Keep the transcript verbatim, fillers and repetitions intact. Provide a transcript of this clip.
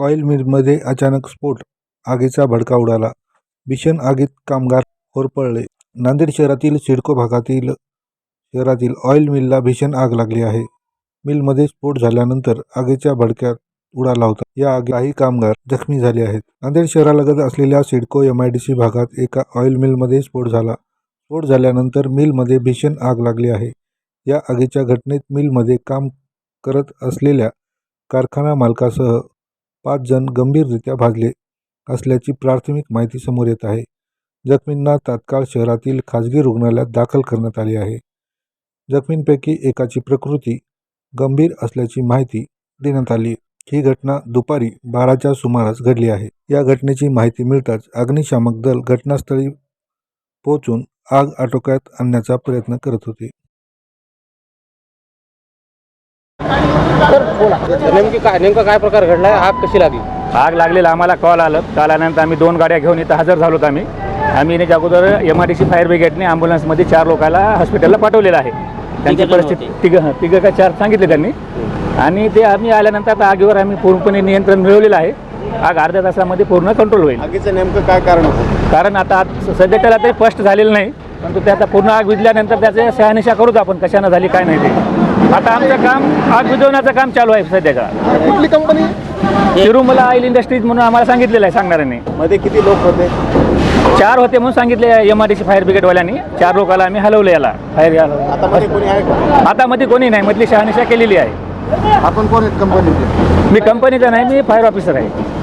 Oil मिलमध्ये अचानक स्फोट, आगीचा भडका उडाला. भीषण आगीत कामगार होरपळले. नांदेड शहरातील सिडको भागातील शहरातील ऑइल मिलला भीषण आग लागली आहे. मिलमध्ये स्फोट झाल्यानंतर आगीच्या भडक्यात उडाला होता. या आगीत काही कामगार जखमी झाले आहेत. नांदेड शहरालगत असलेल्या CIDCO M I D C भागात एका ऑइल मिलमध्ये स्फोट झाला. स्फोट झाल्यानंतर मिलमध्ये भीषण आग लागली आहे. या आगीच्या घटनेत मिलमध्ये काम करत असलेल्या कारखाना मालकासह पाच जण गंभीररित्या भाजले असल्याची प्राथमिक माहिती समोर येत आहे. जखमींना तात्काळ शहरातील खाजगी रुग्णालयात दाखल करण्यात आले आहे. जखमींपैकी एकाची प्रकृती गंभीर असल्याची माहिती देण्यात आली. ही घटना दुपारी बाराच्या सुमारास घडली आहे. या घटनेची माहिती मिळताच अग्निशामक दल घटनास्थळी पोहोचून आग आटोक्यात आणण्याचा प्रयत्न करत होते. नेमकी काय नेमका काय प्रकार घडलाय? आग कशी लागली? आग लागलेला आम्हाला कॉल आलं. कॉल आल्यानंतर आम्ही दोन गाड्या घेऊन इथं हजर झालोत. आम्ही आम्ही येण्याच्या अगोदर M I D C fire ब्रिगेडने ॲम्ब्युलन्समध्ये चार लोकांना हॉस्पिटलला पाठवलेलं आहे. त्यांची परिस्थिती तिघं तिघं का चार सांगितले त्यांनी. आणि ते आम्ही आल्यानंतर आता आगीवर आम्ही पूर्णपणे नियंत्रण मिळवलेलं आहे. आग अर्ध्या तासामध्ये पूर्ण कंट्रोल होईल. आगीचं नेमकं काय कारण होतं? कारण आता सध्या त्याला ते स्पष्ट झालेलं नाही, परंतु ते आता पूर्ण आग विझल्यानंतर त्याचे शहानिशा करूच आपण कशानं झाली काय नाही ते. आता आमचं काम आग विझवण्याचं काम चालू आहे सध्याचा. कुठली कंपनी? तिरुमला ऑइल इंडस्ट्रीज म्हणून आम्हाला सांगितलेलं आहे सांगणाऱ्यांनी. मध्ये किती लोक होते? चार होते म्हणून सांगितले M I D C fire ब्रिगेडवाल्यांनी. चार लोकांना आम्ही हलवलं याला फायर याला. आता मध्ये कोणी आहे का? आता मध्ये कोणी नाही, मधली शहानिशा केलेली आहे. आपण कोण आहेत कंपनीचे? मी कंपनीचा नाही, मी फायर ऑफिसर आहे.